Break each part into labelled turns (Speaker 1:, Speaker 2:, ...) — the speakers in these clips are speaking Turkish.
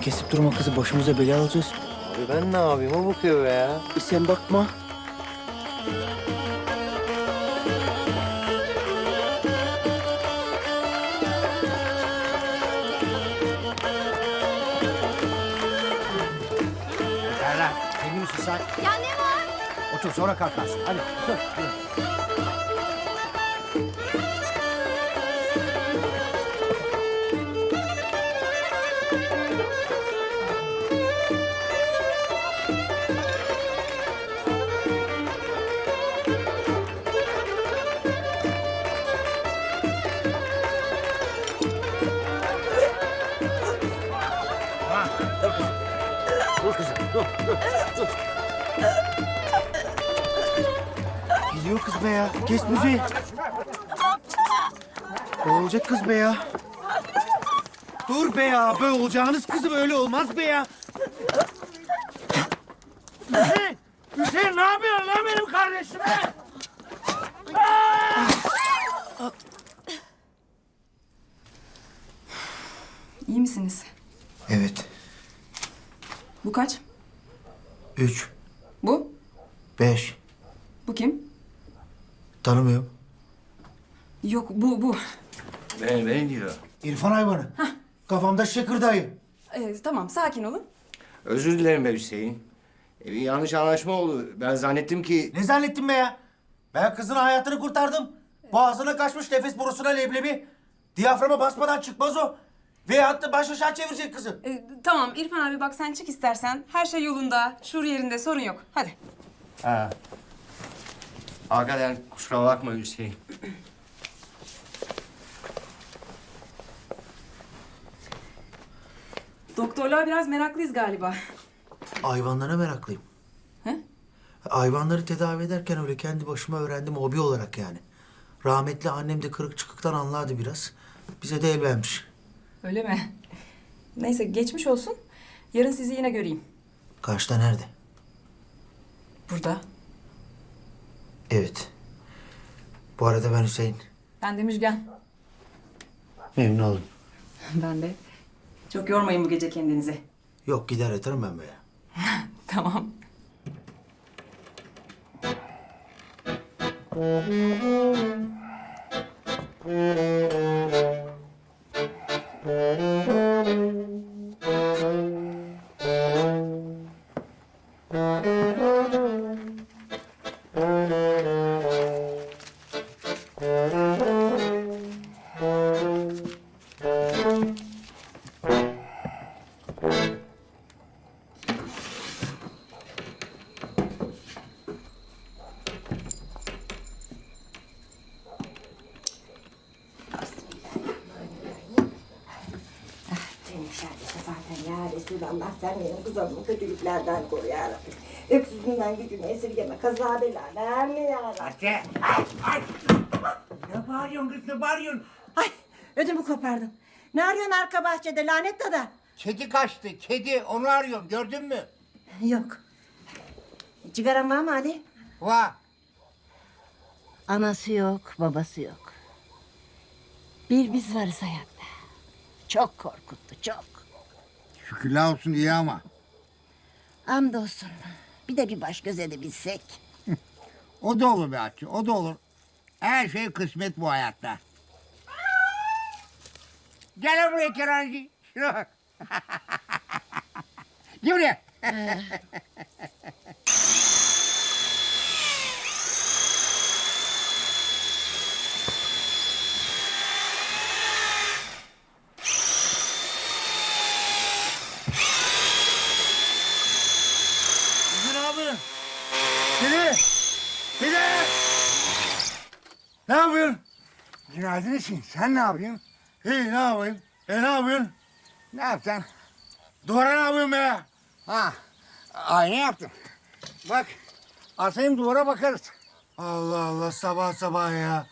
Speaker 1: kesip durma kızı, başımıza bela alacağız.
Speaker 2: Abi ben ne yapayım? O bakıyor be ya.
Speaker 1: Sen bakma.
Speaker 3: Serra, sevgili misin sen?
Speaker 4: Ya ne var?
Speaker 3: Otur sonra kalkarsın. Hadi otur. Ha, dur kızım. Dur kızım, dur.
Speaker 1: Gidiyor kız be ya. Kes müziği. Ne olacak kız be ya? Dur be ya. Böyle olacağınız kızı böyle olmaz be ya.
Speaker 3: Hüseyin ne yapıyorsun lan benim kardeşime?
Speaker 5: İyi misiniz?
Speaker 1: Evet.
Speaker 5: Bu kaç?
Speaker 1: 3,
Speaker 5: Bu?
Speaker 1: 5.
Speaker 5: Bu kim?
Speaker 1: Tanımıyorum.
Speaker 5: Yok bu.
Speaker 2: Ben diyor.
Speaker 1: İrfan hayvanı. Kafamda şakırdayı.
Speaker 5: Tamam sakin olun.
Speaker 2: Özür dilerim be Hüseyin. Bir yanlış anlaşma oldu. Ben zannettim ki...
Speaker 1: Ne zannettin be ya? Ben kızın hayatını kurtardım. Boğazına kaçmış nefes borusuna leblebi. Diyaframa basmadan çıkmaz o. Veyahut da baş aşağı çevirecek kızı.
Speaker 5: Tamam İrfan abi bak sen çık istersen. Her şey yolunda, şur yerinde sorun yok. Hadi.
Speaker 2: Ha. Hakikaten kusura bakma Hüseyin.
Speaker 5: Doktorlar biraz meraklıyız galiba.
Speaker 1: Hayvanlara meraklıyım.
Speaker 5: He?
Speaker 1: Hayvanları tedavi ederken öyle kendi başıma öğrendim hobi olarak yani. Rahmetli annem de kırık çıkıktan anlardı biraz. Bize de el vermiş.
Speaker 5: Öyle mi? Neyse geçmiş olsun. Yarın sizi yine göreyim.
Speaker 1: Karşıda nerede?
Speaker 5: Burada.
Speaker 1: Evet. Bu arada ben Hüseyin.
Speaker 5: Ben de Müjgan.
Speaker 1: Memnun oldum.
Speaker 5: Ben de. Çok yormayın bu gece kendinizi.
Speaker 1: Yok gider yatarım ben be ya.
Speaker 5: Tamam.
Speaker 6: Seni şerbete zaten ya Resulallah sen benim kızımı kötülüklerden koru ya Rabbi. Öksüzünden gücünü esirgeme, kaza bela verme ya Rabbi.
Speaker 3: Hatice. Ay. Ne bağırıyorsun kız ne bağırıyorsun?
Speaker 6: Ay ödümü kopardın. Ne arıyorsun arka bahçede lanet dada?
Speaker 3: Kedi kaçtı kedi onu arıyorum gördün mü?
Speaker 6: Yok. Cigaran var mı Ali?
Speaker 3: Va.
Speaker 7: Anası yok, babası yok. Bir biz varız hayatta. Çok korkuttu, çok.
Speaker 3: Şükürler olsun iyi ama.
Speaker 7: Hamdolsun. Bir de bir baş göz edebilsek.
Speaker 3: O da olur be Hatice o da olur. Her şey kısmet bu hayatta. Gel buraya Kenancı. Şuna bak. Gel buraya.
Speaker 1: Ne yapıyorsun? Dede! Dede! Ne yapıyorsun?
Speaker 3: Günaydın için sen ne yapıyorsun?
Speaker 1: İyi ne yapayım? Ne yapıyorsun?
Speaker 3: Ne yapacaksın?
Speaker 1: Duvara ne yapıyorsun be ya?
Speaker 3: Ha, ayna yaptım. Bak, asayım duvara bakarız.
Speaker 1: Allah Allah sabah sabah ya.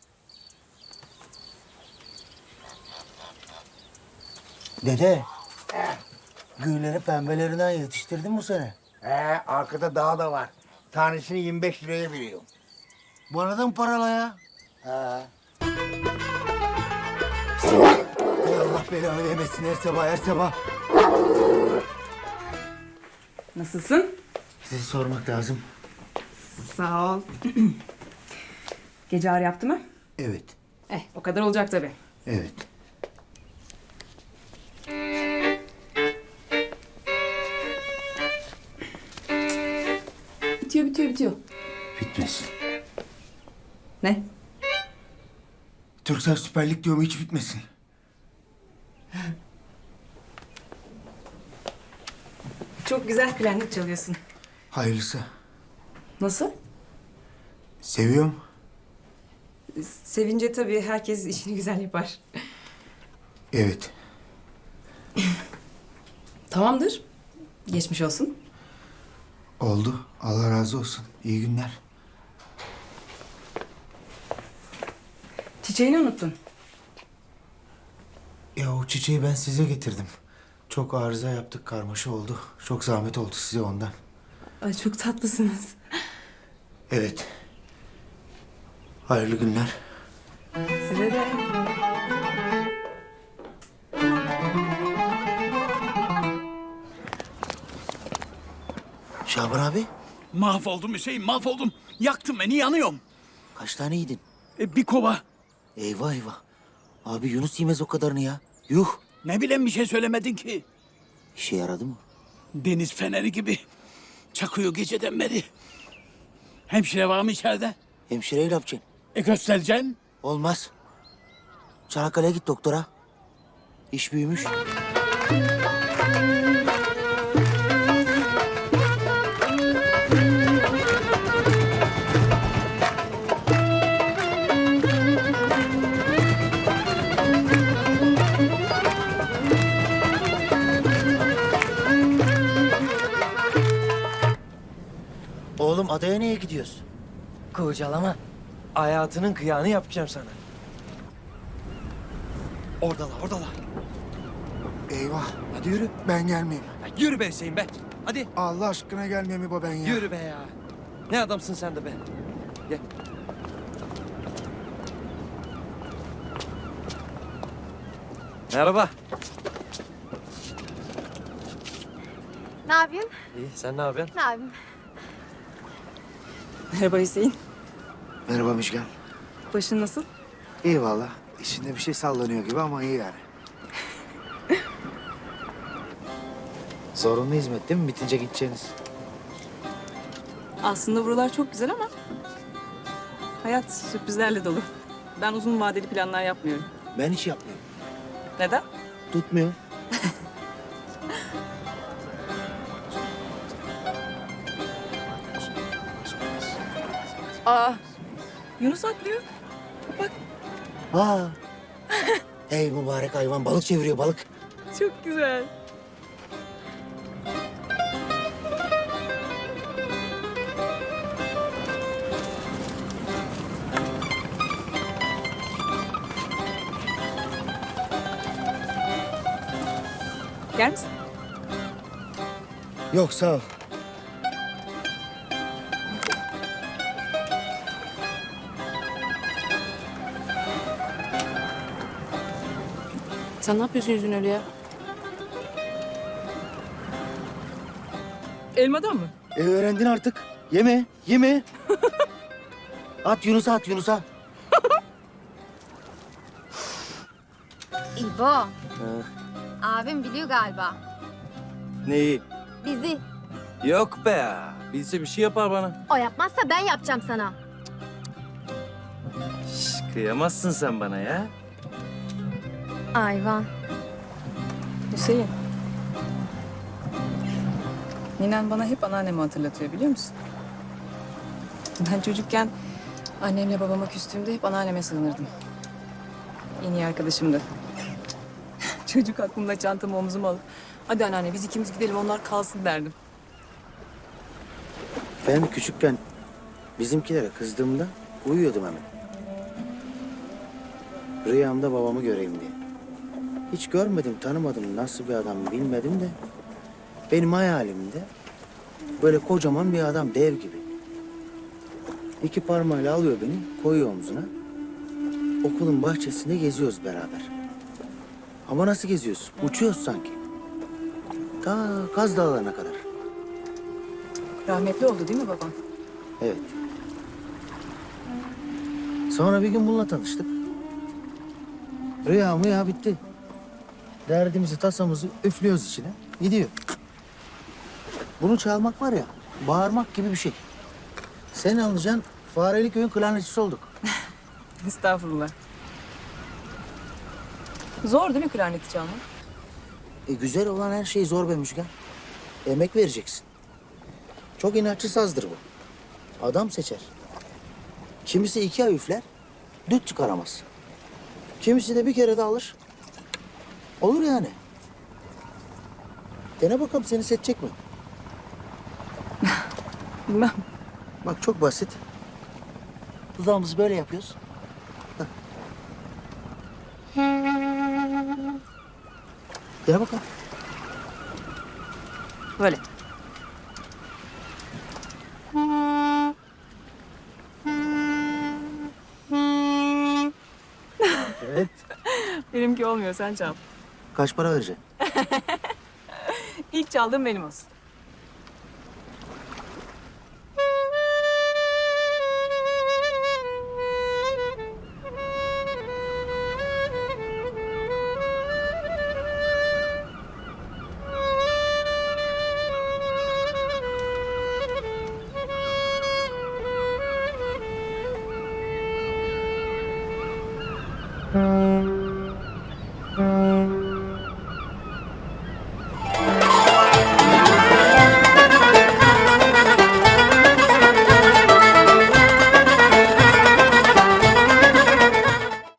Speaker 1: Dede. Gülleri pembelerinden yetiştirdin bu sene.
Speaker 3: Arkada dağ da var. Tanesini 25 liraya veriyorum.
Speaker 1: Bana da mı parala ya?
Speaker 3: He.
Speaker 1: Ey Allah belanı vermesin her sabah her sabah.
Speaker 5: Nasılsın?
Speaker 1: Sizi sormak lazım.
Speaker 5: Sağ ol. Gece ağrı yaptı mı?
Speaker 1: Evet,
Speaker 5: O kadar olacak tabii.
Speaker 1: evet.
Speaker 5: Bitiyor.
Speaker 1: Bitmesin.
Speaker 5: Ne?
Speaker 1: Türksel Süper Lig diyorum, hiç bitmesin.
Speaker 5: Çok güzel klarnet çalıyorsun.
Speaker 1: Hayırlısı.
Speaker 5: Nasıl?
Speaker 1: Seviyorum.
Speaker 5: Sevince tabii herkes işini güzel yapar.
Speaker 1: Evet.
Speaker 5: Tamamdır. Geçmiş olsun.
Speaker 1: Oldu. Allah razı olsun. İyi günler.
Speaker 5: Çiçeğini unuttun.
Speaker 1: Ya o çiçeği ben size getirdim. Çok arıza yaptık, karmaşa oldu. Çok zahmet oldu size ondan.
Speaker 5: Ay çok tatlısınız.
Speaker 1: Evet. Hayırlı günler.
Speaker 5: Size de.
Speaker 1: Şaban abi,
Speaker 4: Mahvoldum Hüseyin, mahvoldum. Yaktın beni, yanıyorum.
Speaker 1: kaç tane yedin?
Speaker 4: Bir kova.
Speaker 1: Eyvah eyvah. Abi Yunus yemez o kadarını ya. Yuh.
Speaker 4: Ne bileyim bir şey söylemedin ki.
Speaker 1: İşe yaradı mı?
Speaker 4: Deniz feneri gibi. Çakıyor geceden beri. Hemşire var mı içeride?
Speaker 1: Hemşireyi ne yapacaksın?
Speaker 4: Göstereceksin.
Speaker 1: Olmaz. Çanakkale'ye git doktora. İş büyümüş. Oğlum adaya niye gidiyoruz?
Speaker 8: Kurcalama. Hayatının kıyağını yapacağım sana. Oradalar.
Speaker 9: Eyvah.
Speaker 8: Hadi yürü.
Speaker 9: Ben gelmeyeyim.
Speaker 8: Ya yürü be Hüseyin be. Hadi
Speaker 9: Allah aşkına gelmeyeyim İbo ben ya.
Speaker 8: yürü be ya. Ne adamsın sen de be. Gel. Merhaba.
Speaker 10: Ne yapıyorsun?
Speaker 8: İyi, sen ne yapıyorsun?
Speaker 10: Ne yapayım?
Speaker 5: Merhaba Hüseyin.
Speaker 9: Merhaba Müjgan.
Speaker 5: Başın nasıl?
Speaker 9: İyi valla. İçinde bir şey sallanıyor gibi ama iyi yani. Zorunlu hizmet değil mi? Bitince gideceğiniz.
Speaker 5: Aslında buralar çok güzel ama hayat sürprizlerle dolu. Ben uzun vadeli planlar yapmıyorum.
Speaker 1: Ben hiç yapmıyorum.
Speaker 5: Neden?
Speaker 1: Tutmuyor.
Speaker 5: Aa, Yunus atlıyor. Bak
Speaker 1: Aa. Ey mübarek hayvan, balık çeviriyor, balık.
Speaker 5: çok güzel. Gel misin?
Speaker 1: Yok sağ ol.
Speaker 5: Sen ne yapıyorsun yüzün öyle ya? Elmadan mı?
Speaker 1: Öğrendin artık. Yeme, yeme. At Yunus'a, at Yunus'a.
Speaker 10: İbo. Abim biliyor galiba.
Speaker 8: Neyi?
Speaker 10: Bizi.
Speaker 8: Yok be ya. Bilse bir şey yapar bana.
Speaker 10: O yapmazsa ben yapacağım sana.
Speaker 8: Şş, kıyamazsın sen bana ya.
Speaker 10: Ayvan.
Speaker 5: Hüseyin. Ninen bana hep anneannemi hatırlatıyor biliyor musun? Ben çocukken annemle babama küstüğümde hep anneanneme sığınırdım. En iyi arkadaşımdı. Çocuk aklımda çantamı omzuma alıp hadi anneanne biz ikimiz gidelim onlar kalsın derdim.
Speaker 1: Ben küçükken bizimkilere kızdığımda uyuyordum hemen. Rüyamda babamı göreyim diye. Hiç görmedim, tanımadım, nasıl bir adam bilmedim de... benim hayalimde böyle kocaman bir adam, dev gibi. İki parmağıyla alıyor beni, koyuyor omzuna. Okulun bahçesinde geziyoruz beraber. Ama nasıl geziyoruz? Uçuyoruz sanki. Ta Kaz Dağları'na kadar.
Speaker 5: Rahmetli oldu değil mi babam?
Speaker 1: Evet. Sonra bir gün bununla tanıştık. Rüya bitti. Derdimizi, tasamızı üflüyoruz içine. Gidiyor. Bunu çalmak var ya, bağırmak gibi bir şey. Sen alacaksın, Fareli Köy'ün klarnetçisi olduk.
Speaker 5: Estağfurullah. Zor değil mi klarneti çalmak?
Speaker 1: Güzel olan her şey zor be Müjgan. Emek vereceksin. Çok inatçı sazdır bu. Adam seçer. Kimisi 2 ay üfler, düt çıkaramaz. Kimisi de bir kere de alır. Olur yani. Dene bakalım seni seçecek mi?
Speaker 5: Bilmem.
Speaker 1: Bak çok basit. Dudağımızı böyle yapıyoruz. Hah. Dene bakalım.
Speaker 5: Böyle.
Speaker 1: Evet.
Speaker 5: Benimki olmuyor, sen çal.
Speaker 1: Kaç para vereceksin?
Speaker 5: İlk çaldığım benim olsun.